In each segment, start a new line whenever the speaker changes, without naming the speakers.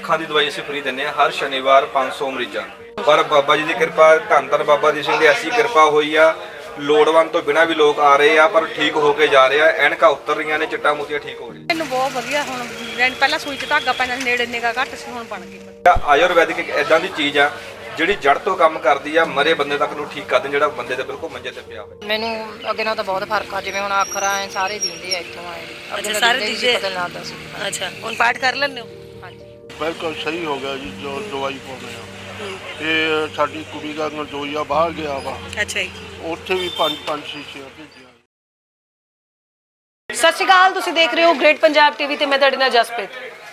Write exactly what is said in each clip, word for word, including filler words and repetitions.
ਅੱਖਾਂ ਦੀ ਦਵਾਈ ਅਸੀਂ ਫ੍ਰੀ ਦਿੰਦੇ ਹਾਂ ਹਰ ਸ਼ਨੀਵਾਰ ਪੰਜ सौ ਮਰੀਜ਼ਾਂ ਨੂੰ। ਪਰ ਬਾਬਾ ਜੀ ਦੀ ਕਿਰਪਾ, ਧੰਨ ਧੰਨ ਬਾਬਾ ਦੀਪ ਸਿੰਘ ਦੀ ਐਸੀ ਕਿਰਪਾ ਹੋਈ ਆ, ਲੋੜਵੰਦ ਤੋਂ ਬਿਨਾਂ ਵੀ ਲੋਕ ਆ ਰਹੇ ਆ ਪਰ ਠੀਕ ਹੋ ਕੇ ਜਾ ਰਹੇ ਆ। ਐਨਕਾਂ ਉਤਰ ਰਹੀਆਂ ਨੇ, ਚਿੱਟਾ ਮੋਤੀਆ ਠੀਕ ਹੋ ਰਿਹਾ।
ਮੈਨੂੰ ਬਹੁਤ ਵਧੀਆ ਹੁਣ ਪਹਿਲਾਂ ਸੂਈ 'ਚ ਧਾਗਾ ਪੈਂਦਾ ਨੇੜੇ ਨਿਗਾ ਘੱਟ ਸੀ, ਹੁਣ ਬਣ ਗਈ।
ਆਯੁਰਵੈਦਿਕ ਇੱਕ ਇਦਾਂ ਦੀ ਚੀਜ਼ ਆ ਜਿਹੜੀ ਜੜ ਤੋਂ ਕੰਮ ਕਰਦੀ ਆ, ਮਰੇ ਬੰਦੇ ਤੱਕ ਨੂੰ ਠੀਕ ਕਰਦੇ, ਜਿਹੜਾ ਬੰਦੇ ਦੇ ਬਿਲਕੁਲ ਮੰਜੇ ਤੇ ਪਿਆ ਹੋਵੇ।
ਮੈਨੂੰ ਅੱਗੇ ਨਾਲ ਤਾਂ ਬਹੁਤ ਫਰਕ ਆ, ਜਿਵੇਂ ਹੁਣ ਅੱਖਰਾਂ ਐ ਸਾਰੇ ਦਿੰਦੇ ਆ ਇੱਥੋਂ ਆਏ।
ਅੱਛਾ, ਸਾਰੇ ਦਿੰਦੇ
ਪਤਾ ਲੱਗਦਾ ਸੀ।
ਅੱਛਾ, ਹੁਣ ਪਾਠ ਕਰ ਲੈਂਦੇ ਹੋ?
ਹਾਂਜੀ,
ਬਿਲਕੁਲ ਸਹੀ ਹੋ ਗਿਆ ਜੀ। ਜੋ ਦਵਾਈ ਪਾਉਂਦੇ ਆ ਇਹ ਸਾਡੀ ਕੁੜੀ ਦਾ ਨਰਜੋਈਆ ਬਾਹਰ ਗਿਆ ਵਾ।
ਅੱਛਾ ਜੀ,
ਉੱਥੇ ਵੀ ਪੰਜ ਪੰਜ ਸ਼ੀਸ਼ੀਆਂ ਭੇਜੀਆਂ।
ਸਤਿ ਸ਼੍ਰੀ ਅਕਾਲ, ਤੁਸੀਂ ਦੇਖ ਰਹੇ ਹੋ ਗ੍ਰੇਟ ਪੰਜਾਬ ਟੀਵੀ ਤੇ ਮੈਂ ਤੁਹਾਡੇ ਨਾਲ ਜਸਪ੍ਰੀਤ।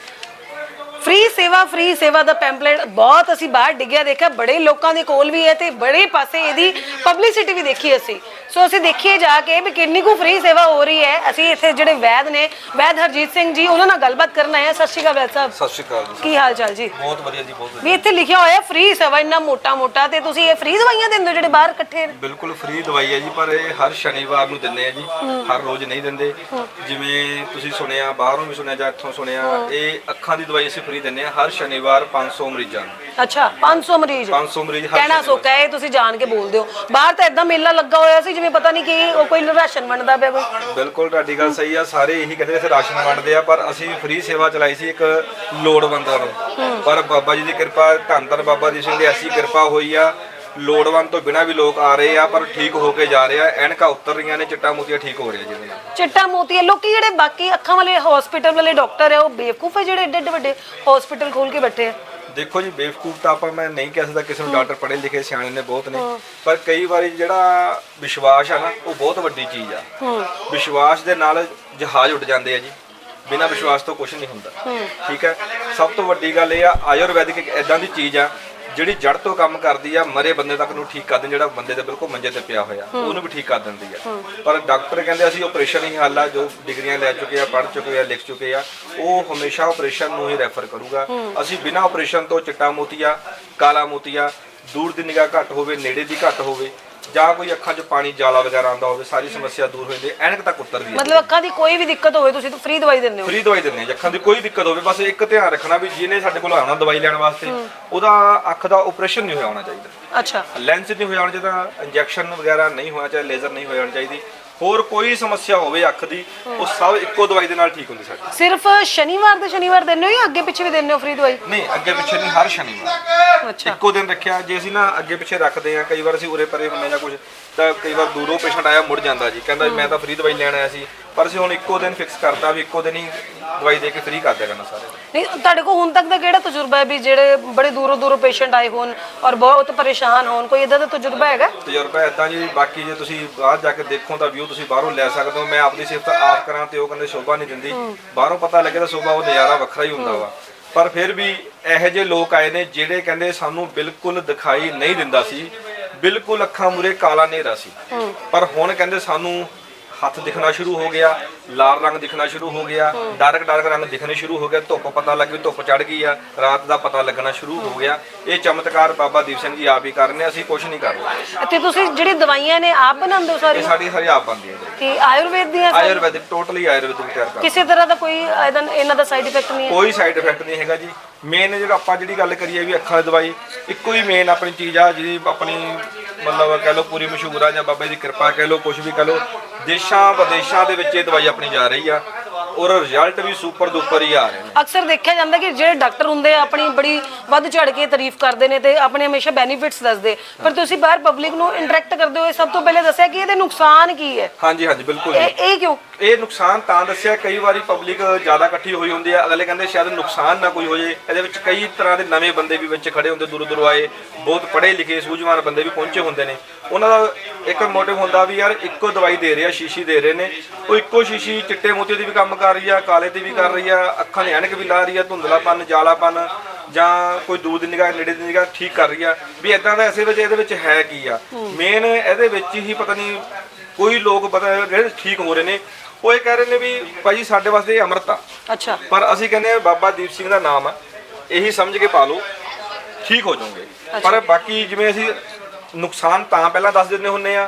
ਫ੍ਰੀ ਸੇਵਾ ਫ੍ਰੀ ਸੇਵਾ ਦਾ ਪੈਂਪਲੇਟ ਬਹੁਤ ਅਸੀਂ ਬਾਹਰ ਡਿੱਗਿਆ ਦੇਖਿਆ, ਬੜੇ ਲੋਕਾਂ ਦੇ ਕੋਲ ਵੀ ਹੈ ਤੇ ਬੜੇ ਪਾਸੇ ਇਹਦੀ ਪਬਲਿਸਿਟੀ ਵੀ ਦੇਖੀ ਅਸੀਂ। ਸੋ ਅਸੀਂ ਦੇਖੀਏ ਜਾ ਕੇ ਵੀ ਕਿੰਨੀ ਕੁ ਫ੍ਰੀ ਸੇਵਾ ਹੋ ਰਹੀ ਹੈ। ਅਸੀਂ ਇੱਥੇ ਜਿਹੜੇ ਵੈਦ ਨੇ, ਵੈਦ ਹਰਜੀਤ ਸਿੰਘ ਜੀ, ਉਹਨਾਂ ਨਾਲ ਗੱਲਬਾਤ ਕਰਨ ਆਏ ਹਾਂ। ਸਤਿ ਸ਼੍ਰੀ ਅਕਾਲ ਵੈਦ ਸਾਹਿਬ।
ਸਤਿ ਸ਼੍ਰੀ ਅਕਾਲ ਜੀ।
ਕੀ ਹਾਲ ਚਾਲ ਜੀ?
ਬਹੁਤ ਵਧੀਆ ਜੀ, ਬਹੁਤ ਵਧੀਆ।
ਵੀ ਇੱਥੇ ਲਿਖਿਆ ਹੋਇਆ ਫ੍ਰੀ ਸੇਵਾ, ਇੰਨਾ ਮੋਟਾ ਮੋਟਾ, ਤੇ ਤੁਸੀਂ ਇਹ ਫ੍ਰੀ ਦਵਾਈਆਂ ਦਿੰਦੇ ਹੋ ਜਿਹੜੇ ਬਾਹਰ ਇਕੱਠੇ?
ਬਿਲਕੁਲ ਫ੍ਰੀ ਦਵਾਈ ਹੈ ਜੀ, ਪਰ ਇਹ ਹਰ ਸ਼ਨੀਵਾਰ ਨੂੰ ਦਿੰਦੇ ਆ ਜੀ, ਹਰ ਰੋਜ਼ ਨਹੀਂ ਦਿੰਦੇ। ਜਿਵੇਂ ਤੁਸੀਂ ਸੁਣਿਆ, ਬਾਹਰੋਂ ਵੀ ਸੁਣਿਆ ਜਾਂ ਇੱਥੋਂ ਸੁਣਿਆ, ਇਹ ਅੱਖਾਂ ਦੀ ਦਵਾਈ ਅਸੀਂ ਫ੍ਰੀ ਦਿੰਦੇ ਆ ਹਰ ਸ਼ਨੀਵਾਰ ਪੰਜ सौ ਮਰੀਜ਼ਾਂ ਨੂੰ।
ਅੱਛਾ, ਪੰਜ ਸੌ ਮਰੀਜ਼?
ਪੰਜ सौ ਮਰੀਜ਼ ਹਰ
ਕਹਿਣਾ ਸੌਖਾ ਹੈ, ਤੁਸੀਂ ਜਾਣ ਕੇ ਬੋਲਦੇ ਹੋ। ਬਾਹਰ ਤਾਂ ਇਦਾਂ ਮੇਲਾ ਲੱਗਾ ਹੋਇਆ ਸੀ ਜਿਵੇਂ ਪਤਾ ਨਹੀਂ ਕਿ ਉਹ ਕੋਈ ਰਾਸ਼ਨ ਵੰਡਦਾ ਪਿਆ ਕੋਈ।
ਬਿਲਕੁਲ ਤੁਹਾਡੀ ਗੱਲ ਸਹੀ ਆ, ਸਾਰੇ ਇਹੀ ਕਹਿੰਦੇ ਇੱਥੇ ਰਾਸ਼ਨ ਵੰਡਦੇ ਆ, ਪਰ ਅਸੀਂ ਫ੍ਰੀ ਸੇਵਾ ਚਲਾਈ ਸੀ ਇੱਕ ਲੋੜਵੰਦਾਂ ਨੂੰ। ਪਰ ਬਾਬਾ ਜੀ ਦੀ ਕਿਰਪਾ, ਧੰਨ ਧੰਨ ਬਾਬਾ ਦੀਪ ਸਿੰਘ ਦੀ ਐਸੀ ਕਿਰਪਾ ਹੋਈ ਆ, ਲੋੜਵੰਦ ਤੋਂ ਬਿਨਾਂ ਵੀ ਲੋਕ ਆ ਰਹੇ ਆ ਪਰ ਠੀਕ ਹੋ ਕੇ ਜਾ ਰਹੇ ਆ। ਐਨਕਾਂ ਉਤਰ ਰਹੀਆਂ ਨੇ, ਚਿੱਟਾ ਮੋਤੀਆ ਠੀਕ ਹੋ ਰਿਹਾ ਜਿਹਦੇ ਨਾਲ।
ਚਿੱਟਾ ਮੋਤੀਆ। ਲੋਕੀ ਜਿਹੜੇ ਬਾਕੀ ਅੱਖਾਂ ਵਾਲੇ ਹਸਪੀਟਲ ਵਾਲੇ ਡਾਕਟਰ ਆ ਉਹ ਬੇਵਕੂਫ ਹੈ ਜਿਹੜੇ ਏਡੇ ਏਡੇ ਵੱਡੇ ਹਸਪੀਟਲ ਖੋਲ ਕੇ ਬੈਠੇ ਆ।
ਦੇਖੋ ਜੀ, ਬੇਵਕੂਫ ਤਾਂ ਆਪਾਂ ਮੈਂ ਨਹੀਂ ਕਹਿ ਸਕਦਾ, ਕਿਸੇ ਨੂੰ ਡਾਕਟਰ ਪੜ੍ਹੇ ਲਿਖੇ ਸਿਆਣੇ ਨੇ ਬਹੁਤ ਨੇ, ਪਰ ਕਈ ਵਾਰੀ ਜਿਹੜਾ ਵਿਸ਼ਵਾਸ ਆ ਨਾ, ਉਹ ਬਹੁਤ ਵੱਡੀ ਚੀਜ਼ ਆ। ਵਿਸ਼ਵਾਸ ਦੇ ਨਾਲ ਜਹਾਜ਼ ਉੱਡ ਜਾਂਦੇ ਆ ਜੀ, ਬਿਨਾਂ ਵਿਸ਼ਵਾਸ ਤੋਂ ਕੁਝ ਨਹੀਂ ਹੁੰਦਾ। ਠੀਕ ਹੈ, ਸਭ ਤੋਂ ਵੱਡੀ ਗੱਲ ਇਹ ਆ, ਆਯੁਰਵੈਦਿਕ ਇੱਕ ਇਦਾਂ ਦੀ ਚੀਜ਼ ਆ ਜਿਹੜੀ ਜੜ ਤੋਂ ਕੰਮ ਕਰਦੀ ਆ, ਮਰੇ ਬੰਦੇ ਤੱਕ ਨੂੰ ਠੀਕ ਕਰਦੇ, ਜਿਹੜਾ ਬੰਦੇ ਦੇ ਬਿਲਕੁਲ ਮੰਜੇ ਤੇ ਪਿਆ ਹੋਇਆ ਉਹਨੂੰ ਵੀ ਠੀਕ ਕਰ ਦਿੰਦੀ ਆ। ਪਰ ਡਾਕਟਰ ਕਹਿੰਦੇ ਅਸੀਂ ਆਪਰੇਸ਼ਨ ਹੀ ਹੱਲ ਆ, ਜੋ ਡਿਗਰੀਆਂ ਲੈ ਚੁੱਕੇ ਆ, ਪੜ੍ਹ ਚੁੱਕੇ ਆ, ਲਿਖ ਚੁੱਕੇ ਆ, ਉਹ ਹਮੇਸ਼ਾ ਆਪਰੇਸ਼ਨ ਨੂੰ ਹੀ ਰੈਫਰ ਕਰੂਗਾ। ਅਸੀਂ ਬਿਨਾਂ ਆਪਰੇਸ਼ਨ ਤੋਂ ਚਿੱਟਾ ਮੋਤੀਆ, ਕਾਲਾ ਮੋਤੀਆ, ਦੂਰ ਦੀ ਨਿਗਾਹ ਘੱਟ ਹੋਵੇ, ਨੇੜੇ ਦੀ ਘੱਟ ਹੋਵੇ, ਜਾਂ ਕੋਈ ਅੱਖਾਂ 'ਚ ਪਾਣੀ ਜਾਲਾ ਵਗੈਰਾ ਆਉਂਦਾ ਹੋਵੇ, ਸਾਰੀ ਸਮੱਸਿਆ ਦੂਰ ਹੋ ਜਾਂਦੀ ਹੈ, ਐਨਕ ਤੱਕ ਉਤਰਦੀ ਹੈ।
ਮਤਲਬ ਅੱਖਾਂ ਦੀ ਕੋਈ ਵੀ ਦਿੱਕਤ ਹੋਵੇ ਤੁਸੀਂ ਤਾਂ ਫ੍ਰੀ ਦਵਾਈ ਦਿੰਦੇ ਹੋ?
ਫ੍ਰੀ ਦਵਾਈ ਦਿੰਦੇ ਹਾਂ, ਅੱਖਾਂ ਦੀ ਕੋਈ ਦਿੱਕਤ ਹੋਵੇ, ਬਸ ਇੱਕ ਧਿਆਨ ਰੱਖਣਾ ਵੀ ਜਿਹਨੇ ਸਾਡੇ ਕੋਲ ਆਉਣਾ ਦਵਾਈ ਲੈਣ ਵਾਸਤੇ, ਉਹਦਾ ਅੱਖ ਦਾ ਆਪਰੇਸ਼ਨ ਨਹੀਂ ਹੋਇਆ ਹੋਣਾ ਚਾਹੀਦਾ।
ਅੱਛਾ,
ਲੈਂਸ ਨਹੀਂ ਹੋਇਆ ਹੋਣਾ ਚਾਹੀਦਾ, ਇੰਜੈਕਸ਼ਨ ਵਗੈਰਾ ਨਹੀਂ ਹੋਣਾ ਚਾਹੀਦਾ, ਲੇਜ਼ਰ ਨਹੀਂ ਹੋਇਆ ਹੋਣਾ ਚਾਹੀਦੀ। ਹੋਰ ਕੋਈ ਸਮੱਸਿਆ ਹੋਵੇ ਅੱਖ ਦੀ, ਉਹ ਸਭ ਇੱਕੋ ਦਵਾਈ ਦੇ ਨਾਲ ਠੀਕ ਹੁੰਦੀ ਸਾਡੀ।
ਸਿਰਫ ਸ਼ਨੀਵਾਰ ਦੇ ਸ਼ਨੀਵਾਰ ਦਿੰਦੇ ਹੋ ਜਾਂ ਅੱਗੇ ਪਿੱਛੇ ਵੀ ਦਿੰਦੇ ਹੋ ਫ੍ਰੀ ਦਵਾਈ?
ਨਹੀਂ, ਅੱਗੇ ਪਿੱਛੇ ਨਹੀਂ, ਹਰ ਸ਼ਨੀਵਾਰ
ਅੱਛਾ,
ਇੱਕੋ ਦਿਨ ਰੱਖਿਆ। ਜੇ ਅਸੀਂ ਨਾ ਅੱਗੇ ਪਿੱਛੇ ਰੱਖਦੇ ਆ, ਕਈ ਵਾਰ ਅਸੀਂ ਉਰੇ ਪਰੇ ਹੁੰਦੇ ਜਾਂ ਕੁਝ, ਤਾਂ ਕਈ ਵਾਰ ਦੂਰੋਂ ਪੇਸ਼ੈਂਟ ਆਇਆ ਮੁੜ ਜਾਂਦਾ ਜੀ, ਕਹਿੰਦਾ ਮੈਂ ਤਾਂ ਫ੍ਰੀ ਦਵਾਈ ਲੈਣ ਆਇਆ ਸੀ, ਪਰ ਅਸੀਂ ਹੁਣ ਇੱਕੋ ਦਿਨ ਫਿਕਸ ਕਰਤਾ ਵੀ ਇੱਕੋ ਦਿਨ ਹੀ ਦਵਾਈ ਦੇ ਕੇ ਫ੍ਰੀ ਕਰ ਦਿਆ ਕਰਨਾ ਸਾਰੇ।
ਨਹੀਂ, ਤੁਹਾਡੇ ਕੋਲ ਹੁਣ ਤੱਕ ਦਾ ਕਿਹੜਾ ਤਜਰਬਾ ਹੈ ਵੀ ਜਿਹੜੇ ਬੜੇ ਦੂਰੋਂ ਦੂਰੋਂ ਪੇਸ਼ੈਂਟ ਆਏ ਹੋਣ ਔਰ ਬਹੁਤ ਪਰੇਸ਼ਾਨ ਹੋਣ, ਕੋਈ ਇਦਾਂ ਦਾ ਤਜਰਬਾ ਹੈਗਾ?
ਤਜਰਬਾ ਇਦਾਂ ਜੀ, ਬਾਕੀ ਜੇ ਤੁਸੀਂ ਬਾਹਰ ਜਾ ਕੇ ਦੇਖੋ ਤਾਂ ਵਿਊ ਤੁਸੀਂ ਬਾਹਰੋਂ ਲੈ ਸਕਦੇ ਹੋ। ਮੈਂ ਆਪਣੀ ਸਿਫਤ ਆਪ ਕਰਾਂ ਤੇ ਉਹ ਕਹਿੰਦੇ ਸ਼ੋਭਾ ਨਹੀਂ ਦਿੰਦੀ, ਬਾਹਰੋਂ ਪਤਾ ਲੱਗੇ ਤਾਂ ਸ਼ੋਭਾ, ਉਹ ਨਜ਼ਾਰਾ ਵੱਖਰਾ ਹੀ ਹੁੰਦਾ ਵਾ। ਪਰ ਫਿਰ ਵੀ ਇਹੋ ਜਿਹੇ ਲੋਕ ਆਏ ਨੇ ਜਿਹੜੇ ਕਹਿੰਦੇ ਸਾਨੂੰ ਬਿਲਕੁਲ ਦਿਖਾਈ ਨਹੀਂ ਦਿੰਦਾ ਸੀ, ਬਿਲਕੁਲ ਅੱਖਾਂ ਮੂਰੇ ਕਾਲਾ ਹਨੇਰਾ ਸੀ, ਪਰ ਹੁਣ ਕਹਿੰਦੇ ਸਾਨੂੰ ਹੱਥ ਦਿਖਣਾ ਸ਼ੁਰੂ ਹੋ ਗਿਆ, ਲਾਲ ਰੰਗ ਦਿਖਣਾ ਸ਼ੁਰੂ ਹੋ ਗਿਆ, ਡਾਰਕ ਡਾਰਕ ਰੰਗ ਦਿਖਣੇ ਸ਼ੁਰੂ ਹੋ ਗਿਆ, ਧੁੱਪ ਪਤਾ ਲੱਗ ਗਈ, ਧੁੱਪ ਚੜ ਗਈ ਆ, ਰਾਤ ਦਾ ਪਤਾ ਲੱਗਣਾ ਸ਼ੁਰੂ ਹੋ ਗਿਆ। ਇਹ ਚਮਤਕਾਰ ਬਾਬਾ ਦੀਪ ਸਿੰਘ ਜੀ ਆਪ ਹੀ ਕਰ ਰਹੇ ਨੇ, ਅਸੀਂ ਕੁਝ ਨਹੀਂ ਕਰ ਰਹੇ।
ਤੇ ਤੁਸੀਂ ਜਿਹੜੀ ਦਵਾਈਆਂ ਨੇ ਆਪ ਬਣਾਉਂਦੇ ਹੋ
ਇਹ
ਸਾਰੀ?
ਸਾਡੀ ਸਾਰੀ ਆਪ ਬਣਦੀ ਹੈ ਜੀ।
ਕਿ ਆਯੁਰਵੇਦ ਦੀਆਂ?
ਆਯੁਰਵੈਦਿਕ, ਟੋਟਲੀ ਆਯੁਰਵੈਦਿਕ ਤਿਆਰ ਕਰਦੇ।
ਕਿਸੇ ਤਰ੍ਹਾਂ ਦਾ ਕੋਈ ਇਹਦਾ ਇਹਨਾਂ ਦਾ ਸਾਈਡ ਇਫੈਕਟ ਨਹੀਂ ਹੈ?
ਕੋਈ ਸਾਈਡ ਇਫੈਕਟ ਨਹੀਂ ਹੈਗਾ ਜੀ। ਮੇਨ ਜਿਹੜਾ ਆਪਾਂ ਜਿਹੜੀ ਗੱਲ ਕਰੀਏ ਵੀ ਅੱਖਾਂ ਦੀ ਦਵਾਈ, ਇੱਕੋ ਹੀ ਮੇਨ ਆਪਣੀ ਚੀਜ਼ ਆ ਜਿਹਦੀ ਆਪਣੀ ਮਤਲਬ ਕਹਿ ਲਓ ਪੂਰੀ ਮਸ਼ਹੂਰ ਆ, ਜਾਂ ਬਾਬੇ ਦੀ ਕਿਰਪਾ ਕਹਿ ਲਓ, ਕੁਝ ਵੀ ਕਹਿ ਲਓ। ਦੇਸ਼ਾਂ ਵਿਦੇਸ਼ਾਂ ਦੇ ਵਿੱਚ ਇਹ ਦਵਾਈ ਆਪਣੀ ਜਾ ਰਹੀ ਆ ਔਰ ਰਿਜ਼ਲਟ ਵੀ ਸੁਪਰ ਡੂਪਰ ਹੀ ਆ ਰਹੇ ਨੇ। ਅਕਸਰ
ਦੇਖਿਆ ਜਾਂਦਾ ਕਿ ਜਿਹੜੇ ਡਾਕਟਰ ਹੁੰਦੇ ਆ ਆਪਣੀ ਬੜੀ ਵੱਧ ਚੜ ਕੇ ਤਾਰੀਫ ਕਰਦੇ ਨੇ ਤੇ ਆਪਣੇ ਹਮੇਸ਼ਾ ਬੈਨੀਫਿਟਸ ਦੱਸਦੇ, ਪਰ ਤੁਸੀਂ ਬਾਹਰ ਪਬਲਿਕ ਨੂੰ ਇੰਟਰੈਕਟ ਕਰਦੇ ਹੋ, ਸਭ ਤੋਂ ਪਹਿਲੇ ਦੱਸਿਆ ਕਿ ਇਹਦੇ ਨੁਕਸਾਨ ਕੀ ਹੈ।
ਹਾਂਜੀ ਹਾਂਜੀ ਬਿਲਕੁਲ।
ਇਹ ਇਹ ਕਿਉਂ?
ਇਹ ਨੁਕਸਾਨ ਤਾਂ ਦੱਸਿਆ, ਕਈ ਵਾਰੀ ਪਬਲਿਕ ਜ਼ਿਆਦਾ ਇਕੱਠੀ ਹੋਈ ਹੁੰਦੀ ਹੈ, ਅਗਲੇ ਕਹਿੰਦੇ ਸ਼ਾਇਦ ਨੁਕਸਾਨ ਨਾ ਕੋਈ ਹੋ ਜੇ। ਇਹਦੇ ਵਿੱਚ ਕਈ ਤਰ੍ਹਾਂ ਦੇ ਨਵੇਂ ਬੰਦੇ ਵੀ ਵਿੱਚ ਖੜੇ ਹੁੰਦੇ, ਦੂਰੋਂ ਦੂਰੋਂ ਆਏ, ਬਹੁਤ ਪੜ੍ਹੇ ਲਿਖੇ ਸੂਝਵਾਨ ਬੰਦੇ ਵੀ ਪਹੁੰਚੇ ਹੁੰਦੇ ਨੇ। ਉਹਨਾਂ ਦਾ ਇੱਕ ਮੋਟਿਵ ਹੁੰਦਾ ਵੀ ਯਾਰ ਇੱਕੋ ਦਵਾਈ ਦੇ ਰਹੇ ਆ, ਸ਼ੀਸ਼ੀ ਦੇ ਰਹੇ ਨੇ, ਉਹ ਇੱਕੋ ਸ਼ੀਸ਼ੀ ਚਿੱਟੇ ਮੋਤੀ ਦੀ ਵੀ ਕੰਮ ਕਰ ਰਹੀ ਆ, ਕਾਲੇ ਤੇ ਵੀ ਕਰ ਰਹੀ ਆ, ਅੱਖਾਂ ਦੇ ਐਨਕ ਵੀ ਲਾ ਰਹੀ ਆ, ਧੁੰਦਲਾਪਨ, ਜਾਲਾਪਨ, ਜਾਂ ਕੋਈ ਦੂਰ ਦੀ ਨਿਗਾਹ, ਨੇੜੇ ਦੀ ਨਿਗਾਹ ਠੀਕ ਕਰ ਰਹੀ ਆ। ਵੀ ਇਦਾਂ ਦਾ ਐਸੇ ਵਿੱਚ ਇਹਦੇ ਵਿੱਚ ਹੈ ਕੀ ਆ ਮੇਨ, ਇਹਦੇ ਵਿੱਚ ਹੀ ਪਤਾ ਨਹੀਂ ਕੋਈ ਲੋਕ ਪਤਾ ਜਿਹੜੇ ਠੀਕ ਹੋ ਰਹੇ ਨੇ, ਉਹ ਇਹ ਕਹਿ ਰਹੇ ਨੇ ਵੀ ਭਾਈ ਸਾਡੇ ਵਾਸਤੇ ਇਹ ਅੰਮ੍ਰਿਤ ਆ।
ਅੱਛਾ,
ਪਰ ਅਸੀਂ ਕਹਿੰਦੇ ਆ ਬਾਬਾ ਦੀਪ ਸਿੰਘ ਦਾ ਨਾਮ ਆ, ਇਹੀ ਸਮਝ ਕੇ ਪਾ ਲਓ, ਠੀਕ ਹੋ ਜਾਓਗੇ। ਪਰ ਬਾਕੀ ਜਿਵੇਂ ਅਸੀਂ ਨੁਕਸਾਨ ਤਾਂ ਪਹਿਲਾਂ ਦੱਸ ਦਿੰਦੇ ਹੁੰਦੇ ਆ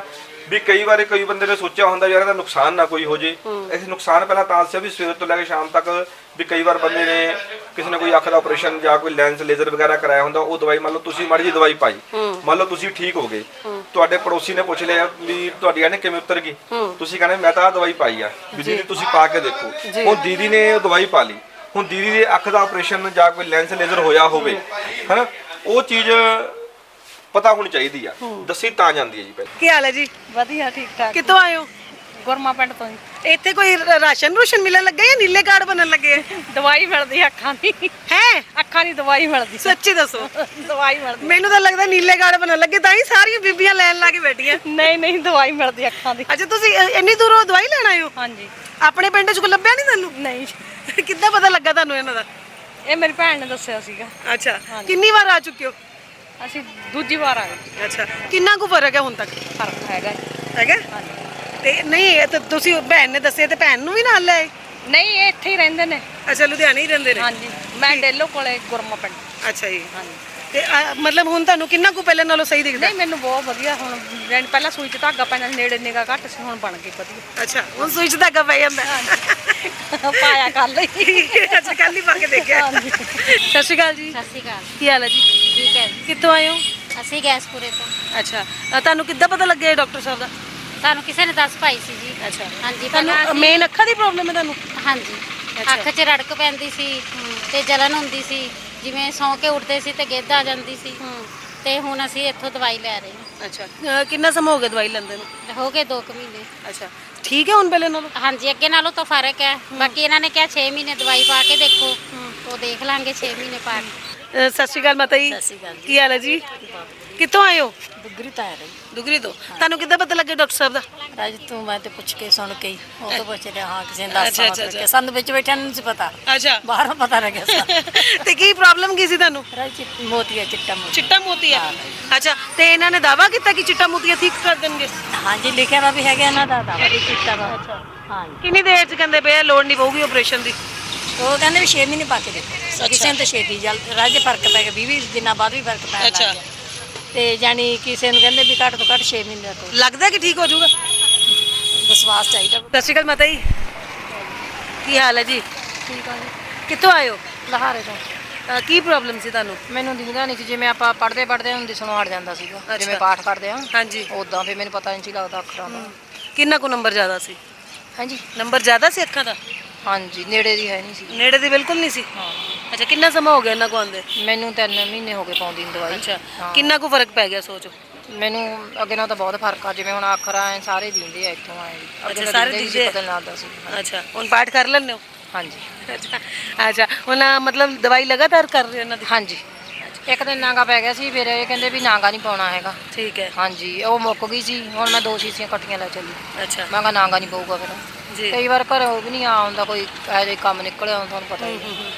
ਵੀ ਕਈ ਵਾਰੀ ਕਈ ਬੰਦੇ ਨੇ ਸੋਚਿਆ ਹੁੰਦਾ ਯਾਰ ਇਹਦਾ ਨੁਕਸਾਨ ਨਾ ਕੋਈ ਹੋ ਜੇ। ਇਸ ਨੁਕਸਾਨ ਪਹਿਲਾਂ ਤਾਂ ਦੱਸਿਆ ਵੀ ਸਵੇਰ ਤੋਂ ਲੈ ਕੇ ਸ਼ਾਮ ਤੱਕ ਵੀ ਕਈ ਵਾਰ ਬੰਦੇ ਨੇ ਕਿਸੇ ਨੇ ਕੋਈ ਅੱਖ ਦਾ ਆਪਰੇਸ਼ਨ ਜਾਂ ਕੋਈ ਲੈਂਸ ਲੇਜ਼ਰ ਵਗੈਰਾ ਕਰਾਇਆ ਹੁੰਦਾ, ਉਹ ਦਵਾਈ ਮੰਨ ਲਓ ਤੁਸੀਂ ਮਾੜੀ ਜਿਹੀ ਦਵਾਈ ਪਾਈ, ਮੰਨ ਲਓ ਤੁਸੀਂ ਠੀਕ ਹੋ ਗਏ, ਤੁਹਾਡੇ ਪੜੋਸੀ ਨੇ ਪੁੱਛ ਲਿਆ ਵੀ ਤੁਹਾਡੀ ਇਹਨੇ ਕਿਵੇਂ ਉਤਰ ਗਈ, ਤੁਸੀਂ ਕਹਿੰਦੇ ਮੈਂ ਤਾਂ ਆਹ ਦਵਾਈ ਪਾਈ ਆ ਵੀ ਦੀਦੀ ਤੁਸੀਂ ਪਾ ਕੇ ਦੇਖੋ। ਹੁਣ ਦੀਦੀ ਨੇ ਉਹ ਦਵਾਈ ਪਾ ਲਈ, ਹੁਣ ਦੀਦੀ ਦੇ ਅੱਖ ਦਾ ਆਪਰੇਸ਼ਨ ਜਾਂ ਕੋਈ ਲੈਂਸ ਲੇਜ਼ਰ ਹੋਇਆ ਹੋਵੇ ਹਨਾ, ਉਹ ਚੀਜ਼ ਪਤਾ ਹੋਣੀ ਚਾਹੀਦੀ ਆ, ਦੱਸੀ ਤਾਂ ਜਾਂਦੀ ਹੈ ਜੀ। ਪਹਿਲਾਂ
ਕੀ ਹਾਲ ਹੈ ਜੀ?
ਵਧੀਆ ਠੀਕ ਠਾਕ।
ਕਿੱਥੋਂ ਆਏ ਹੋ?
ਗੁਰਮਾ ਪਿੰਡ ਤੋਂ ਜੀ।
ਇੱਥੇ ਕੋਈ ਰ- ਰਾਸ਼ਨ ਰੂਸ਼ਨ ਮਿਲਣ ਲੱਗਾ ਜਾਂ ਨੀਲੇ ਕਾਰਡ ਬਣਨ ਲੱਗੇ ਆ?
ਦਵਾਈ ਮਿਲਦੀ ਅੱਖਾਂ ਦੀ,
ਹੈ
ਅੱਖਾਂ ਦੀ ਦਵਾਈ ਮਿਲਦੀ,
ਸੱਚੀ ਦੱਸੋ।
ਦਵਾਈ ਮਿਲਦੀ।
ਮੈਨੂੰ ਤਾਂ ਲੱਗਦਾ ਨੀਲੇ ਕਾਰਡ ਬਣਨ ਲੱਗੇ ਤਾਂ ਹੀ ਸਾਰੀਆਂ ਬੀਬੀਆਂ ਲੈਣ ਲਾ ਕੇ ਬੈਠੀਆਂ।
ਨਹੀਂ ਨਹੀਂ ਦਵਾਈ ਮਿਲਦੀ ਅੱਖਾਂ ਦੀ।
ਅੱਛਾ ਤੁਸੀਂ ਅ, ਇੰਨੀ ਦੂਰੋਂ ਦਵਾਈ ਲੈਣ ਆਏ ਹੋ?
ਹਾਂਜੀ।
ਆਪਣੇ ਪਿੰਡ ਚ ਕੋਈ ਲੱਭਿਆ ਨਹੀਂ ਤੁਹਾਨੂੰ?
ਨਹੀਂ,
ਕਿੱਦਾਂ ਪਤਾ ਲੱਗਾ ਤੁਹਾਨੂੰ ਇਹਨਾਂ ਦਾ?
ਇਹ ਮੇਰੀ ਭੈਣ ਨੇ ਦੱਸਿਆ ਸੀਗਾ।
ਅੱਛਾ ਕਿੰਨੀ ਵਾਰ ਆ ਚੁੱਕੇ ਹੋ?
ਅਸੀਂ ਦੂਜੀ ਵਾਰ ਆ ਗਏ।
ਅੱਛਾ ਕਿੰਨਾ ਕੁ ਫਰਕ ਹੈ ਹੁਣ ਤੱਕ?
ਫਰਕ ਹੈਗਾ ਜੀ।
ਹੈਗਾ? ਤੇ ਨਹੀਂ ਇਹ ਤਾਂ ਤੁਸੀਂ ਭੈਣ ਨੇ ਦੱਸਿਆ ਤੇ ਭੈਣ ਨੂੰ ਵੀ ਨਾਲ ਲੈ ਆਏ?
ਨਹੀਂ ਇਹ ਇੱਥੇ ਹੀ ਰਹਿੰਦੇ ਨੇ।
ਅੱਛਾ ਲੁਧਿਆਣੇ ਹੀ ਰਹਿੰਦੇ ਨੇ?
ਹਾਂਜੀ ਮੈਂ ਡੇਲੋ ਕੋਲੇ ਗੁਰਮਾ ਪਿੰਡ।
ਅੱਛਾ ਜੀ।
ਹਾਂਜੀ।
ਤੇ ਅ, ਮਤਲਬ ਹੁਣ ਤੁਹਾਨੂੰ ਕਿੰਨਾ ਕੁ ਪਹਿਲੇ ਨਾਲੋਂ ਸਹੀ ਦਿਖਦਾ?
ਨਹੀਂ ਮੈਨੂੰ ਬਹੁਤ ਵਧੀਆ ਹੁਣ, ਜਾਣੀ ਪਹਿਲਾਂ ਸੂਈ 'ਚ ਧਾਗਾ ਪੈਂਦਾ ਸੀ, ਨੇੜੇ ਨਿਗਾ ਘੱਟ ਸੀ, ਹੁਣ ਬਣ ਗਈ ਵਧੀਆ।
ਅੱਛਾ ਹੁਣ ਸੂਈ 'ਚ ਧਾਗਾ ਪੈ ਜਾਂਦਾ?
ਪਾਇਆ ਕਰ ਲਈ।
ਅੱਛਾ ਕੱਲ ਹੀ ਪਾ ਕੇ ਦੇਖਿਆ।
ਹਾਂਜੀ।
ਸਤਿ ਸ਼੍ਰੀ ਅਕਾਲ ਜੀ।
ਸਤਿ ਸ਼੍ਰੀ ਅਕਾਲ।
ਕੀ ਹਾਲ ਹੈ ਜੀ?
ਠੀਕ ਹੈ ਜੀ।
ਕਿੱਥੋਂ ਆਏ ਹੋ?
ਅਸੀਂ ਗੈਸਪੁਰੇ ਤੋਂ।
ਅੱਛਾ ਅ, ਤੁਹਾਨੂੰ ਕਿੱਦਾਂ ਪਤਾ ਲੱਗਿਆ ਡਾਕਟਰ ਸਾਹਿਬ ਦਾ?
ਸਾਨੂੰ ਕਿਸੇ ਨੇ ਦੱਸ ਪਾਈ ਸੀ ਜੀ।
ਅੱਛਾ
ਹਾਂਜੀ ਪਹਿਲਾਂ
ਤੁਹਾਨੂੰ
ਅਸੀਂ-
ਮੇਨ ਅੱਖਾਂ ਦੀ ਪ੍ਰੋਬਲਮ ਹੈ ਤੁਹਾਨੂੰ?
ਹਾਂਜੀ
ਅੱਛਾ।
ਅੱਖ 'ਚ ਰੜਕ ਪੈਂਦੀ ਸੀ ਤੇ ਜਲਨ ਹੁੰਦੀ ਸੀ, ਜਿਵੇਂ ਸੌਂ ਕੇ ਉੱਠਦੇ ਸੀ ਤੇ ਗਿੱਧ ਆ ਜਾਂਦੀ ਸੀ, ਤੇ ਹੁਣ ਅਸੀਂ ਇੱਥੋਂ ਦਵਾਈ ਲੈ ਰਹੇ ਹਾਂ।
ਅੱਛਾ ਅ, ਕਿੰਨਾ ਸਮਾਂ ਹੋ ਗਿਆ ਦਵਾਈ ਲੈਂਦੇ ਨੂੰ?
ਹੋ ਗਏ ਦੋ ਕੁ ਮਹੀਨੇ।
ਅੱਛਾ ਠੀਕ ਹੈ ਹੁਣ ਪਹਿਲੇ ਨਾਲੋਂ?
ਹਾਂਜੀ ਅੱਗੇ ਨਾਲੋਂ ਤਾਂ ਫਰਕ ਹੈ। ਬਾਕੀ ਇਹਨਾਂ ਨੇ ਕਿਹਾ ਛੇ ਮਹੀਨੇ ਦਵਾਈ ਪਾ ਕੇ ਦੇਖੋ, ਉਹ ਦੇਖ ਲਾਂਗੇ ਛੇ ਮਹੀਨੇ ਪਾ ਕੇ।
ਅ, ਸਤਿ ਸ਼੍ਰੀ ਅਕਾਲ ਮਾਤਾ ਜੀ।
ਸਤਿ ਸ਼੍ਰੀ ਅਕਾਲ ਜੀ।
ਕੀ ਹਾਲ ਹੈ ਜੀ? ਕਿੱਥੋਂ ਆਏ ਹੋ?
ਦੁਗਰੀ ਤਾਂ ਆ ਰਹੀ।
ਦੁਗਰੀ ਤੋਂ। ਤੁਹਾਨੂੰ ਕਿੱਦਾਂ ਪਤਾ ਲੱਗਿਆ ਡਾਕਟਰ ਸਾਹਿਬ ਦਾ?
ਰਾਜ ਤੂੰ ਮੈਂ ਤੇ ਪੁੱਛ ਕੇ ਸੁਣ ਕੇ ਹੀ ਉਹ ਤੋਂ ਪੁੱਛ ਲਿਆ। ਹਾਂ ਕਿਸੇ ਨੇ
ਅੱਛਾ,
ਦੱਸਿਆ
ਅੱਛਾ, ਅੱਛਾ।
ਕਿ ਸਾਨੂੰ ਵਿੱਚ ਬੈਠਿਆਂ ਨੂੰ ਨਹੀਂ ਸੀ ਪਤਾ,
ਅੱਛਾ
ਬਾਹਰੋਂ ਪਤਾ ਲੱਗਿਆ ਸਾਨੂੰ।
ਤੇ ਕੀ ਪ੍ਰੋਬਲਮ ਕੀ ਸੀ ਤੁਹਾਨੂੰ?
ਰਾਜ ਚਿੱਟ- ਮੋਤੀਆ ਚਿੱਟਾ ਮੋਤੀ।
ਚਿੱਟਾ ਮੋਤੀਆ। ਅੱਛਾ ਤੇ ਇਹਨਾਂ ਨੇ ਦਾਵਾ ਕੀਤਾ ਕਿ ਚਿੱਟਾ ਮੋਤੀਆ ਠੀਕ ਕਰ ਦੇਣਗੇ?
ਹਾਂਜੀ ਲਿਖਿਆ ਵਾ ਵੀ ਹੈਗਾ ਇਹਨਾਂ ਦਾ ਦਾਵਾ ਵੀ ਚਿੱਟਾ ਵਾ। ਹਾਂਜੀ
ਕਿੰਨੀ ਦੇਰ ਚ ਕਹਿੰਦੇ ਪਏ ਆ ਲੋੜ ਨਹੀਂ ਪਊਗੀ ਆਪਰੇਸ਼ਨ ਦੀ?
ਉਹ ਕਹਿੰਦੇ ਵੀ ਛੇ ਮਹੀਨੇ ਪਾ ਕੇ ਦੇਖੋ। ਕਿਸੇ ਨੂੰ ਤਾਂ ਛੇਤੀ ਜਲ ਰਾਜ ਫਰਕ ਪੈ ਗਿਆ, ਵੀਹ ਵੀਹ ਦਿਨਾਂ ਬਾਅਦ ਵੀ ਫਰਕ ਪੈਣ ਲੱਗ
ਅੱਛਾ।
ਗਿਆ। ਤੇ ਜਾਨੀ ਕਿਸੇ ਨੂੰ ਕਹਿੰਦੇ ਵੀ ਘੱਟ ਤੋਂ ਘੱਟ ਛੇ ਮਹੀਨੇ ਤੋਂ
ਲੱਗਦਾ ਕਿ ਠੀਕ ਹੋ ਜਾਊਗਾ?
ਵਿਸ਼ਵਾਸ ਚਾਹੀਦਾ।
ਸਤਿ ਸ਼੍ਰੀ ਅਕਾਲ ਮਾਤਾ ਜੀ। ਕੀ ਹਾਲ ਹੈ ਜੀ?
ਠੀਕ ਆ ਜੀ।
ਕਿੱਥੋਂ ਆਏ ਹੋ?
ਲਹਾਰੇ ਤੋਂ।
ਅ, ਕੀ ਪ੍ਰੋਬਲਮ ਸੀ ਤੁਹਾਨੂੰ?
ਮੈਨੂੰ ਦਿਖਦਾ ਨਹੀਂ ਸੀ, ਜਿਵੇਂ ਆਪਾਂ ਪੜ੍ਹਦੇ ਪੜ੍ਹਦੇ ਹੁੰਦੇ ਸੁਣੋ ਹਟ ਜਾਂਦਾ ਸੀਗਾ,
ਅੱਛਾ।
ਜਿਵੇਂ ਪਾਠ ਕਰਦੇ ਆ
ਹਾਂਜੀ
ਉਦਾਂ ਫਿਰ ਮੈਨੂੰ ਪਤਾ ਨਹੀਂ ਸੀ ਲੱਗਦਾ ਅੱਖਰਾਂ ਦਾ।
ਕਿੰਨਾ ਕੁ ਨੰਬਰ ਜ਼ਿਆਦਾ ਸੀ?
ਹਾਂਜੀ
ਨੰਬਰ ਜ਼ਿਆਦਾ ਸੀ ਅੱਖਾਂ ਦਾ?
ਹਾਂਜੀ ਨੇੜੇ ਦੀ ਹੈ ਨਹੀਂ ਸੀ।
ਨੇੜੇ ਦੀ ਬਿਲਕੁਲ ਨਹੀਂ ਸੀ?
ਹਾਂ
ਅੱਛਾ ਕਿੰਨਾ ਸਮਾਂ ਹੋ ਗਿਆ ਇਹਨਾਂ ਕੋ ਆਂਦੇ?
ਮੈਨੂੰ ਤਿੰਨ ਮਹੀਨੇ ਹੋ ਗਏ ਪਾਉਂਦੀ ਨੂੰ ਦਵਾਈ।
ਅੱਛਾ
ਹਾਂ।
ਕਿੰਨਾ ਕੁ ਫਰਕ ਪੈ ਗਿਆ ਸੋਚੋ?
ਮੈਨੂੰ ਅੱਗੇ ਨਾਲ ਤਾਂ ਬਹੁਤ ਫਰਕ ਆ, ਜਿਵੇਂ ਹੁਣ ਅੱਖਰਾਂ ਐ ਸਾਰੇ ਦਿੰਦੇ ਆ ਇੱਥੋਂ ਆਏ। ਅੱਗੇ ਤਾਂ
ਸਾਰੇ
ਦਿਖਦੇ ਨਹੀਂ ਸੀ,
ਦਿਖਦੇ ਆ।
ਪਤਾ ਨਹੀਂ ਲੱਗਦਾ ਸੀ।
ਅੱਛਾ ਹੁਣ ਪਾਠ ਕਰ ਲੈਂਦੇ ਹੋ?
ਹਾਂਜੀ
ਅੱਛਾ ਅੱਛਾ ਹੁਣ ਮਤਲਬ ਦਵਾਈ ਲਗਾਤਾਰ ਕਰ ਰਹੇ ਹੋ ਇਹਨਾਂ ਦੀ?
ਹਾਂਜੀ ਇੱਕ ਦਿਨ ਨਾਗਾ ਪੈ ਗਿਆ ਸੀ, ਫਿਰ ਇਹ ਕਹਿੰਦੇ ਵੀ ਨਾਗਾ ਨਹੀਂ ਪਾਉਣਾ ਹੈਗਾ।
ਠੀਕ ਹੈ
ਹਾਂਜੀ ਉਹ ਮੁੱਕ ਗਈ ਸੀ, ਹੁਣ ਮੈਂ ਦੋ ਸ਼ੀਸ਼ੀਆਂ ਇਕੱਠੀਆਂ ਲੈ ਚੱਲੀ।
ਅੱਛਾ
ਮੈਂ ਕਿਹਾ ਨਾਗਾ ਨਹੀਂ ਪਊਗਾ ਫਿਰ।
ਜੀ
ਕਈ ਵਾਰ ਘਰੋਂ ਵੀ ਨਹੀਂ ਆ ਹੁੰਦਾ, ਕੋਈ ਇਹੋ ਜਿਹਾ ਕੰਮ ਨਿਕਲਿਆ ਹੁੰਦਾ, ਤੁਹਾਨੂੰ ਪਤਾ ਹੀ ਹੈ।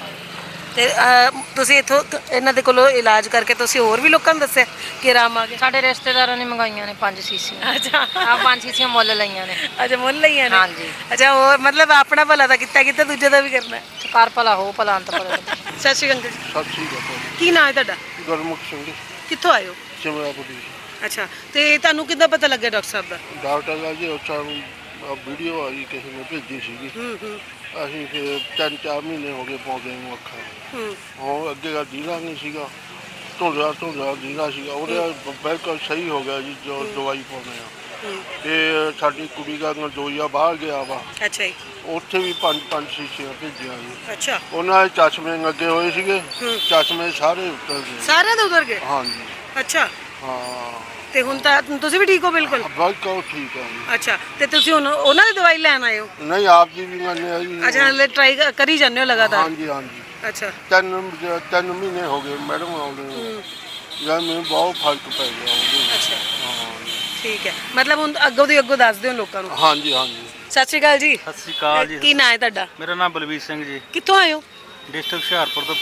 ਤੇ ਅ, ਤੁਸੀਂ ਇੱਥੋਂ ਤ- ਇਹਨਾਂ ਦੇ ਕੋਲੋਂ ਇਲਾਜ ਕਰਕੇ ਤੁਸੀਂ ਹੋਰ ਵੀ ਲੋਕਾਂ ਨੂੰ ਦੱਸਿਆ ਕਿ ਆਰਾਮ ਆ ਗਿਆ?
ਸਾਡੇ ਰਿਸ਼ਤੇਦਾਰਾਂ ਨੇ ਮੰਗਾਈਆਂ ਨੇ ਪੰਜ ਸੀਸੀਆਂ।
ਅੱਛਾ
ਆ ਪੰਜ ਸੀਸੀਆਂ ਮੁੱਲ ਲਈਆਂ ਨੇ।
ਅੱਛਾ ਮੁੱਲ ਲਈਆਂ ਨੇ?
ਹਾਂਜੀ।
ਅੱਛਾ ਹੋਰ ਮਤਲਬ ਆਪਣਾ ਭਲਾ ਤਾਂ ਕੀਤਾ ਕੀਤਾ ਦੂਜੇ ਦਾ ਵੀ ਕਰਨਾ ਹੈ।
ਕਰ ਭਲਾ ਹੋ ਭਲਾ ਅੰਤ ਭਲਾ।
ਸਤਿ ਸ਼੍ਰੀ ਅਕਾਲ ਜੀ।
ਸਤਿ ਸ਼੍ਰੀ ਅਕਾਲ।
ਕੀ ਨਾਮ ਹੈ ਤੁਹਾਡਾ?
ਗੁਰਮੁਖ ਸਿੰਘ
ਕਿੱਥੋਂ ਆਏ ਹੋ?
ਸਿਮਰਾਪੁਰੀ।
ਅੱਛਾ ਤੇ ਤੁਹਾਨੂੰ ਕਿੱਦਾਂ ਪਤਾ ਲੱਗਿਆ ਡਾਕਟਰ ਸਾਹਿਬ ਦਾ?
ਡਾਕਟਰ ਦਾ ਜੀ ਉਹ ਸਾਨੂੰ ਵੀਡੀਓ ਆਈ ਕਿਸੇ ਨੇ ਭੇਜੀ ਸੀਗੀ।
ਹੂੰ ਹੂੰ
ਅਸੀਂ ਫਿਰ ਤਿੰਨ ਚਾਰ ਮਹੀਨੇ ਹੋ ਗਏ ਪਾਉਂਦੇ ਨੂੰ ਅੱਖਾਂ।
ਹੂੰ
ਹੁਣ ਅੱਗੇ ਦਾ ਜੀਣਾ ਨਹੀਂ ਸੀਗਾ, ਧੁੰਦਲਾ ਧੁੰਦਲਾ ਜੀਣਾ ਸੀਗਾ, ਉਹਦੇ ਬਿਲਕੁਲ ਸਹੀ ਹੋ ਗਿਆ ਜੀ ਜੋ ਦਵਾਈ ਪਾਉਂਦੇ ਆ।
ਹੂੰ
ਤੇ ਸਾਡੀ ਕੁੜੀ ਦਾ ਨਦੋਈਆ ਬਾਹਰ ਗਿਆ ਵਾ,
ਅੱਛਾ ਜੀ
ਉੱਥੇ ਵੀ ਪੰਜ ਪੰਜ ਸ਼ੀਸ਼ੀਆਂ ਭੇਜੀਆਂ ਜੀ।
ਅੱਛਾ
ਉਹਨਾਂ ਦੇ ਚਸ਼ਮੇ ਲੱਗੇ ਹੋਏ ਸੀਗੇ,
ਹੂੰ।
ਚਸ਼ਮੇ ਸਾਰੇ ਉੱਤਰ ਗਏ।
ਸਾਰਿਆਂ ਦੇ ਉਧਰ ਗਏ?
ਹਾਂਜੀ
ਅੱਛਾ
ਹਾਂ
ਤੇ ਹੁਣ ਤਾਂ ਤੁਸੀਂ ਵੀ ਠੀਕ ਹੋ ਬਿਲਕੁਲ?
ਬਿਲਕੁਲ ਠੀਕ ਹੈ ਜੀ।
ਅੱਛਾ ਤੇ ਤੁਸੀਂ ਹੁਣ ਉਹਨਾਂ ਦੀ ਦਵਾਈ ਲੈਣ ਆਏ ਹੋ?
ਨਹੀਂ ਆਪ ਜੀ ਵੀ ਮੰਨੇ ਆ ਜੀ।
ਅੱਛਾ ਹਲੇ ਟਰਾਈ ਕਰੀ ਜਾਂਦੇ ਹੋ ਲਗਾਤਾਰ?
ਹਾਂਜੀ ਹਾਂਜੀ
ਅੱਛਾ
ਤਿੰਨ ਤਿੰਨ ਮਹੀਨੇ ਹੋ ਗਏ ਮੈਡਮ ਆਉਂਦੇ ਨੂੰ।
ਹੂੰ
ਯਾਰ ਮੈਨੂੰ ਬਹੁਤ ਫਰਕ ਪੈ ਗਿਆ ਉਹਦੇ।
ਅੱਛਾ
ਹਾਂ
ਠੀਕ ਹੈ ਮਤਲਬ ਹੁਣ ਅੱਗੋਂ ਦੀ ਅੱਗੋਂ ਦੱਸ ਦਿਓ ਲੋਕਾਂ ਨੂੰ।
ਹਾਂਜੀ ਹਾਂਜੀ
ਸਤਿ ਸ਼੍ਰੀ ਅਕਾਲ ਜੀ।
ਸਤਿ ਸ਼੍ਰੀ ਅਕਾਲ ਜੀ।
ਕੀ ਨਾਂ ਹੈ ਤੁਹਾਡਾ?
ਮੇਰਾ ਨਾਮ ਬਲਵੀਰ ਸਿੰਘ ਜੀ,
ਕਿੱਥੋਂ ਆਏ ਹੋ?
ਡਿਸਟ੍ਰਿਕਟ ਹੁਸ਼ਿਆਰਪੁਰ ਤੋਂ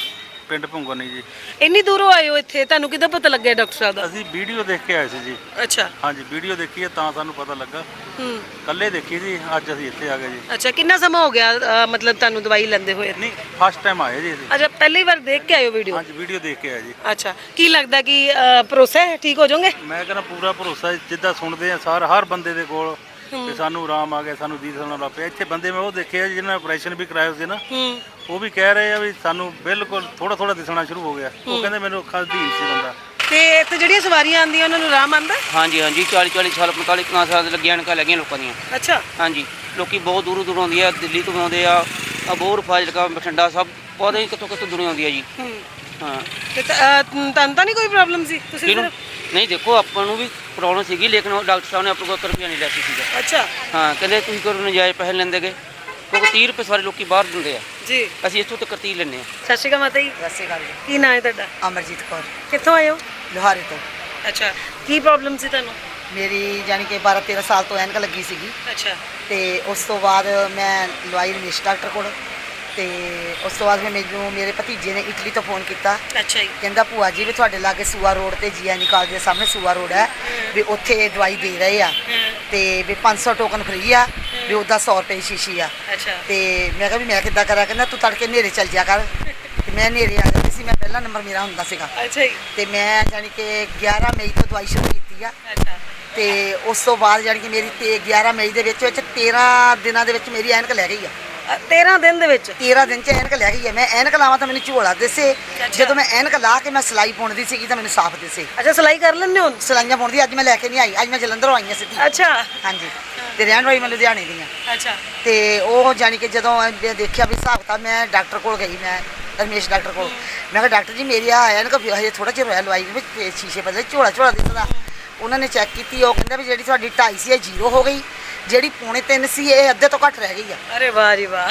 ਪਿੰਡ ਭੁੰਗਰਨੀ ਜੀ।
ਇੰਨੀ ਦੂਰੋਂ ਆਏ ਹੋ ਇੱਥੇ, ਤੁਹਾਨੂੰ ਕਿੱਦਾਂ ਪਤਾ ਲੱਗਿਆ ਡਾਕਟਰ ਸਾਹਿਬ ਦਾ?
ਅਸੀਂ ਵੀਡੀਓ ਦੇਖ ਕੇ ਆਏ ਸੀ ਜੀ।
ਅੱਛਾ।
ਹਾਂਜੀ, ਵੀਡੀਓ ਦੇਖੀ ਹੈ ਤਾਂ ਸਾਨੂੰ ਪਤਾ ਲੱਗਾ।
ਹੂੰ।
ਕੱਲੇ ਦੇਖੀ ਸੀ, ਅੱਜ ਅਸੀਂ ਇੱਥੇ ਆ ਗਏ ਜੀ।
ਅੱਛਾ, ਕਿੰਨਾ ਸਮਾਂ ਹੋ ਗਿਆ ਅ, ਮਤਲਬ ਤੁਹਾਨੂੰ ਦਵਾਈ ਲੈਂਦੇ ਹੋਏ?
ਨਹੀਂ, ਫਸਟ ਟਾਈਮ ਆਏ ਜੀ ਅਸੀਂ।
ਅੱਛਾ, ਪਹਿਲੀ ਵਾਰ ਦੇਖ ਕੇ ਆਏ ਹੋ ਵੀਡੀਓ?
ਹਾਂਜੀ, ਵੀਡੀਓ ਦੇਖ ਕੇ ਆਏ ਜੀ।
ਅੱਛਾ, ਕੀ ਲੱਗਦਾ ਕਿ ਅ, ਭਰੋਸਾ ਹੈ ਠੀਕ ਹੋ ਜਾਓਗੇ?
ਮੈਂ ਕਹਿੰਦਾ ਪੂਰਾ ਭਰੋਸਾ ਹੈ, ਜਿੱਦਾਂ ਸੁਣਦੇ ਆ ਸਾਰ ਹਰ ਬੰਦੇ ਦੇ ਕੋਲ ਕਿ ਸਾਨੂੰ ਆਰਾਮ ਆ ਗਿਆ, ਸਾਨੂੰ ਦੀਦ ਸੁਣਨ ਲੱਗ ਪਿਆ। ਇੱਥੇ ਬੰਦੇ ਮੈਂ ਉਹ ਦੇਖੇ ਆ ਜਿਹਨਾਂ ਨੇ ਆਪਰੇਸ਼ਨ ਵੀ ਕਰਾਇਆ ਸੀ ਨਾ,
ਹੂੰ।
ਉਹ ਵੀ ਕਹਿ ਰਹੇ ਆ ਵੀ ਸਾਨੂੰ ਬਿਲਕੁਲ ਥੋੜਾ ਥੋੜਾ ਦਿਸਣਾ ਸ਼ੁਰੂ ਹੋ ਗਿਆ। ਉਹ ਕਹਿੰਦੇ ਮੈਨੂੰ ਅੱਖਾਂ ਅਧੀਨ ਸੀ ਬੰਦਾ।
ਤੇ ਇੱਥੇ ਜਿਹੜੀਆਂ ਸਵਾਰੀਆਂ ਆਉਂਦੀਆਂ ਉਹਨਾਂ ਨੂੰ ਆਰਾਮ ਆਉਂਦਾ?
ਹਾਂਜੀ ਹਾਂਜੀ ਚਾਲੀ ਚਾਲੀ ਸਾਲ ਪੰਤਾਲੀ ਪੰਜਾਹ ਸਾਲ ਦੇ ਲੱਗੀਆਂ ਐਨਕਾਂ ਲੱਗੀਆਂ ਲੋਕਾਂ ਦੀਆਂ।
ਅੱਛਾ।
ਹਾਂਜੀ, ਲੋਕੀ ਬਹੁਤ ਦੂਰੋਂ ਦੂਰੋਂ ਆਉਂਦੀ ਆ, ਦਿੱਲੀ ਤੋਂ ਆਉਂਦੇ ਆ, ਅਬੋਹਰ, ਫਾਜ਼ਿਲਕਾ, ਬਠਿੰਡਾ, ਸਭ ਬਹੁਤ ਹੀ ਕਿਤੋਂ ਕਿਤੋਂ ਦੁਨੀਆ ਆਉਂਦੀ ਆ ਜੀ।
ਹੂੰ।
ਹਾਂ।
ਤੇ ਤ- ਅ, ਤੁਹਾਨੂੰ ਤਾਂ ਨਹੀਂ ਕੋਈ ਪ੍ਰੋਬਲਮ ਸੀ? ਤੁਸੀਂ
ਕਿਹਨੂੰ?
ਸਿਰਫ-
ਨਹੀਂ, ਦੇਖੋ ਆਪਾਂ ਨੂੰ ਵੀ ਪ੍ਰੋਬਲਮ ਸੀਗੀ, ਲੇਕਿਨ ਉਹ ਡਾਕਟਰ ਸਾਹਿਬ ਨੇ ਆਪਣੇ ਕੋਲ ਇੱਕ ਰੁਪਈਆ ਨਹੀਂ ਲਿਆ ਸੀ ਸੀਗਾ।
ਅੱਛਾ
ਹਾਂ, ਕਹਿੰਦੇ ਤੁਸੀਂ ਕੋਈ ਨਜਾਇਜ਼ ਪੈਸੇ ਲੈਂਦੇਗੇ, ਕਿਉਂਕਿ ਤੀਹ ਰੁਪਏ ਸਾਰੇ ਲੋਕੀ ਬਾਹਰ ਦਿੰਦੇ ਆ,
ਜੀ।
ਅਸੀਂ ਇੱਥੋਂ ਤੱਕ ਤੀਹ ਲੈਂਦੇ ਆ।
ਸਤਿ ਸ਼੍ਰੀ ਅਕਾਲ ਮਾਤਾ ਜੀ।
ਸਤਿ ਸ਼੍ਰੀ ਅਕਾਲ ਜੀ।
ਕੀ ਨਾਂ ਹੈ ਤੁਹਾਡਾ?
ਅਮਰਜੀਤ ਕੌਰ,
ਕਿੱਥੋਂ ਆਏ ਹੋ?
ਲੋਹਾਰੇ ਤੋਂ।
ਅੱਛਾ, ਕੀ ਪ੍ਰੋਬਲਮ ਸੀ ਤੁਹਾਨੂੰ?
ਮੇਰੀ ਜਾਣੀ ਕਿ ਬਾਰਾਂ ਤੇਰਾਂ ਸਾਲ ਤੋਂ ਐਨਕ ਲੱਗੀ ਸੀਗੀ
ਅੱਛਾ।
ਤੇ ਉਸ ਤੋਂ ਬਾਅਦ ਮੈਂ ਲਵਾਈ ਰਮੇਸ਼ ਡਾਕਟਰ ਕੋਲ, ਤੇ ਉਸ ਤੋਂ ਬਾਅਦ ਫਿਰ ਮੈਨੂੰ ਮੇਰੇ ਭਤੀਜੇ ਨੇ ਇਟਲੀ ਤੋਂ ਫੋਨ ਕੀਤਾ।
ਅੱਛਾ ਜੀ।
ਕਹਿੰਦਾ ਭੂਆ ਜੀ ਵੀ ਤੁਹਾਡੇ ਲਾਗੇ ਸੂਆ ਰੋਡ ਤੇ ਜੀਐਨਈ ਕਾਲਜ ਦੇ ਸਾਹਮਣੇ ਸੂਆ ਰੋਡ ਹੈ, ਵੀ ਉੱਥੇ ਦਵਾਈ ਦੇ ਰਹੇ ਆ, ਤੇ ਵੀ ਪੰਜ ਸੌ ਟੋਕਨ ਫ੍ਰੀ ਆ, ਵੀ ਉਹਦਾ ਸੌ ਰੁਪਏ ਸ਼ੀਸ਼ੀ ਆ।
ਅੱਛਾ।
ਤੇ ਮੈਂ ਕਿਹਾ ਵੀ ਮੈਂ ਕਿੱਦਾਂ ਕਰਾਂ? ਕਹਿੰਦਾ ਤੂੰ ਤੜਕੇ ਹਨੇਰੇ ਚੱਲ ਜਾ ਕਰ। ਤੇ ਮੈਂ ਹਨੇਰੇ ਆ ਜਾਂਦੀ ਸੀ, ਮੈਂ ਪਹਿਲਾ ਨੰਬਰ ਮੇਰਾ ਹੁੰਦਾ ਸੀਗਾ।
ਅੱਛਾ ਜੀ।
ਤੇ ਮੈਂ ਜਾਣੀ ਕਿ ਗਿਆਰਾਂ ਮਈ ਤੋਂ ਦਵਾਈ ਸ਼ੁਰੂ ਕੀਤੀ ਆ,
ਅੱਛਾ।
ਤੇ ਉਸ ਤੋਂ ਬਾਅਦ ਜਾਣੀ ਕਿ ਮੇਰੀ ਤੇ ਗਿਆਰਾਂ ਮਈ ਦੇ ਵਿੱਚ ਵਿੱਚ ਤੇਰਾਂ ਦਿਨਾਂ ਦੇ ਵਿੱਚ ਮੇਰੀ ਐਨਕ ਲੈ ਗਈ ਆ।
ਅ, ਤੇਰਾਂ ਦਿਨ ਦੇ ਵਿੱਚ?
ਤੇਰਾਂ ਦਿਨ ਚ ਐਨਕ ਲੈ ਗਈ ਆ। ਮੈਂ ਐਨਕ ਲਾਵਾਂ ਤਾਂ ਮੈਨੂੰ ਝੋਲਾ ਦਿਸੇ, ਜਦੋਂ ਮੈਂ ਐਨਕ ਲਾ ਕੇ ਮੈਂ ਸਿਲਾਈ ਪਾਉਣਦੀ ਸੀਗੀ ਤਾਂ ਮੈਨੂੰ ਸਾਫ਼ ਦਿਸੇ।
ਅੱਛਾ, ਸਿਲਾਈ ਕਰ ਲੈਂਦੇ ਹੋ?
ਸਿਲਾਈਆਂ ਪਾਉਣਦੀ ਅੱਜ ਮੈਂ ਲੈ ਕੇ ਨਹੀਂ ਆਈ, ਅੱਜ ਮੈਂ ਜਲੰਧਰੋਂ ਆਈ ਹਾਂ ਸਿੱਧੀ।
ਅੱਛਾ।
ਹਾਂਜੀ, ਤੇ ਰਹਿਣ ਵਾਲੀ ਮੈਂ ਲੁਧਿਆਣੇ ਦੀ ਹਾਂ।
ਅੱਛਾ।
ਤੇ ਉਹ ਜਾਣੀ ਕਿ ਜਦੋਂ ਮੈਂ ਦੇਖਿਆ ਵੀ ਹਿਸਾਬ ਤਾਂ ਮੈਂ ਡਾਕਟਰ ਕੋਲ ਗਈ, ਮੈਂ ਰਮੇਸ਼ ਡਾਕਟਰ ਕੋਲ। ਮੈਂ ਕਿਹਾ ਡਾਕਟਰ ਜੀ ਮੇਰੀ ਆ ਐਨਕ ਹਜੇ ਥੋੜਾ ਜਿਹਾ ਹੋਇਆ ਲਵਾਈ ਵਿੱਚ, ਤੇ ਸ਼ੀਸ਼ੇ ਬਦਲੇ ਝੋਲਾ ਝੋਲਾ ਦਿਸਦਾ। ਉਹਨਾਂ ਨੇ ਚੈੱਕ ਕੀਤੀ, ਉਹ ਕਹਿੰਦਾ ਵੀ ਜਿਹੜੀ ਤੁਹਾਡੀ ਢਾਈ ਸੀ ਇਹ ਜ਼ੀਰੋ ਹੋ ਗਈ, ਜਿਹੜੀ ਪੌਣੇ ਤਿੰਨ ਸੀ ਇਹ ਅੱਧੇ ਤੋਂ ਘੱਟ ਰਹਿ ਗਈ ਆ।
ਅਰੇ ਵਾਹ ਜੀ ਵਾਹ।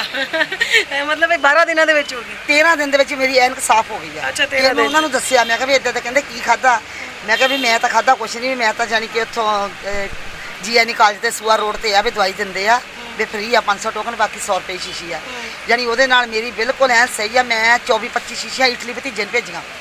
ਇਹ ਮਤਲਬ ਇਹ ਬਾਰਾਂ ਦਿਨਾਂ ਦੇ ਵਿੱਚ ਹੋ ਗਈ?
ਤੇਰਾਂ ਦਿਨ ਦੇ ਵਿੱਚ ਮੇਰੀ ਐਨਕ ਸਾਫ਼ ਹੋ ਗਈ ਆ।
ਅੱਛਾ,
ਫਿਰ
ਤੇਰਾਂ
ਮੈਂ
ਦਿਨ।
ਉਹਨਾਂ ਨੂੰ ਦੱਸਿਆ, ਮੈਂ ਕਿਹਾ ਵੀ ਇਦਾਂ ਤਾਂ ਕਹਿੰਦੇ ਕੀ ਖਾਦਾ? ਮੈਂ ਕਿਹਾ ਵੀ ਮੈਂ ਤਾਂ ਖਾਦਾ ਕੁਛ ਨਹੀਂ, ਮੈਂ ਤਾਂ ਜਾਣੀ ਕਿ ਉੱਥੋਂ ਜੀਐਨਈ ਕਾਲਜ ਤੇ ਸੂਆ ਰੋਡ ਤੇ ਆ, ਵੀ ਦਵਾਈ ਦਿੰਦੇ ਆ, ਵੀ ਫ੍ਰੀ ਆ, ਪੰਜ ਸੌ ਟੋਕਨ, ਬਾਕੀ ਸੌ ਰੁਪਏ ਸ਼ੀਸ਼ੀ ਆ। ਜਾਣੀ ਉਹਦੇ ਨਾਲ ਮੇਰੀ ਬਿਲਕੁਲ ਐਨ ਸਹੀ ਆ। ਮੈਂ ਚੌਵੀ ਪੱਚੀ ਸ਼ੀਸ਼ੀਆਂ ਇਟਲੀ ਭਤੀਜੇ ਨੂੰ ਭੇਜੀਆਂ।